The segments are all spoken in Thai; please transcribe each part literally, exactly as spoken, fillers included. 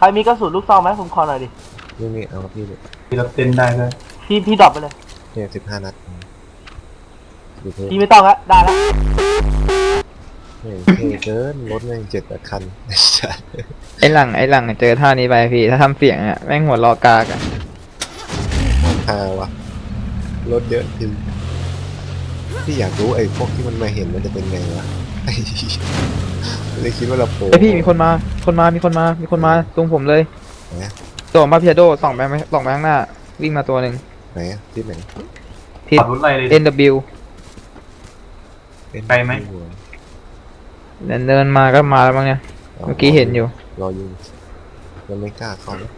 รมีกระสุนลูกซองไหมผมขอหน่อยดินี่นี่เอาพี่เลยพี่รับเต้นได้เลยพี่พี่ดรอปไปเลยเนี่ยสิบห้านัดพี่ไม่ต้องละได้แล้วเนี่ยเท่เกินรถแม่งเจ็ดแปดคันไอ้หลังไอ้หลังเจอท่านี้ไปพี่ถ้าทำเสียงอ่ะแม่งหัวรอกากอ่ะฮาวะรถเยอะจริงพี่อยากรู้ไอ้พวกที่มันมาเห็นมันจะเป็นไงวะเลยคิดว่าเราโผล่ไอพี่มีคนมาคนมามีคนมามีคนมาตรงผมเลยส่องมาพิอาโดส่องไปไหมส่องไปข้างหน้าวิ่งมาตัวหนึ่งไหนที่ไหนทิศ เอ็น ดับเบิลยูไปไหมเดินเดินมาก็มาแล้วมั้งเนี่ยเมื่อกี้เห็นอยู่รออยู่ยังไม่กล้าเข้าเลย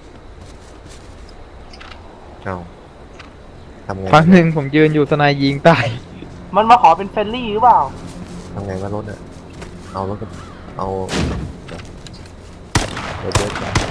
เอาทำไงครั้งหนึ่งผมยืนอยู่ทนายยิงตายมันมาขอเป็นเฟรนลี่หรือเปล่าทำไงว่ารถอะเอารถเอารถเยอะจัง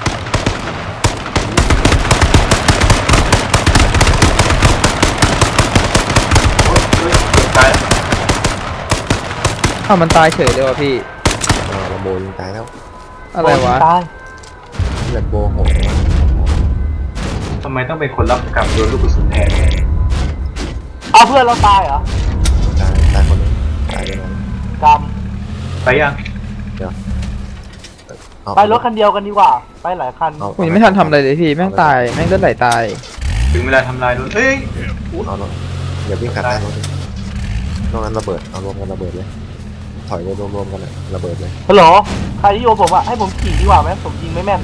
อ้าวมันตายเฉยเลยวะพี่ลำโบยิงตายแล้วอะไรวะลำโบหกทำไมต้องเป็นคนรับกรรมโดนลูกกระสุนแทนเอาเพื่อนเราตายเหรอตายตายคนนึงตายยังไงกรรมไปยังเดี๋ยวไปรถคันเดียวกันดีกว่าไปหลายคันผมยังไม่ทันทำอะไรเลยพี่แม่งตายแม่งเลือดไหลตายถึงเวลาทำลายรถเฮ้ยเอารถอย่าวิ่งขัดหน้ารถนอกนั้นระเบิดเอารวมกันระเบิดเลยถอยไปรวมๆกันเลยระเบิดเลยฮัลโหลใครที่โยผมอะให้ผมขี่ดีกว่าไหมผมยิงไม่แม่น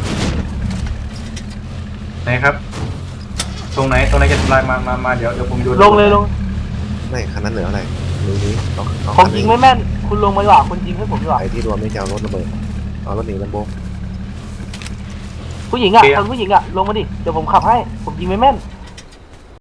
ไหนครับตรงไหนตรงไหนจะทำลายมามามาเดี๋ยวเดี๋ยวผมโยนลงเลยลงไม่คันนั้นเหลืออะไรนี้นี้ผมยิงไม่แม่นคุณลงมาดีกว่าคุณยิงให้ผมดีกว่าไอ้ที่รวมไม่จะเอารถระเบิดเอารถหนีลำโบผู้หญิงอะคนผู้หญิงอะลงมาดิเดี๋ยวผมขับให้ผมยิงไม่แม่น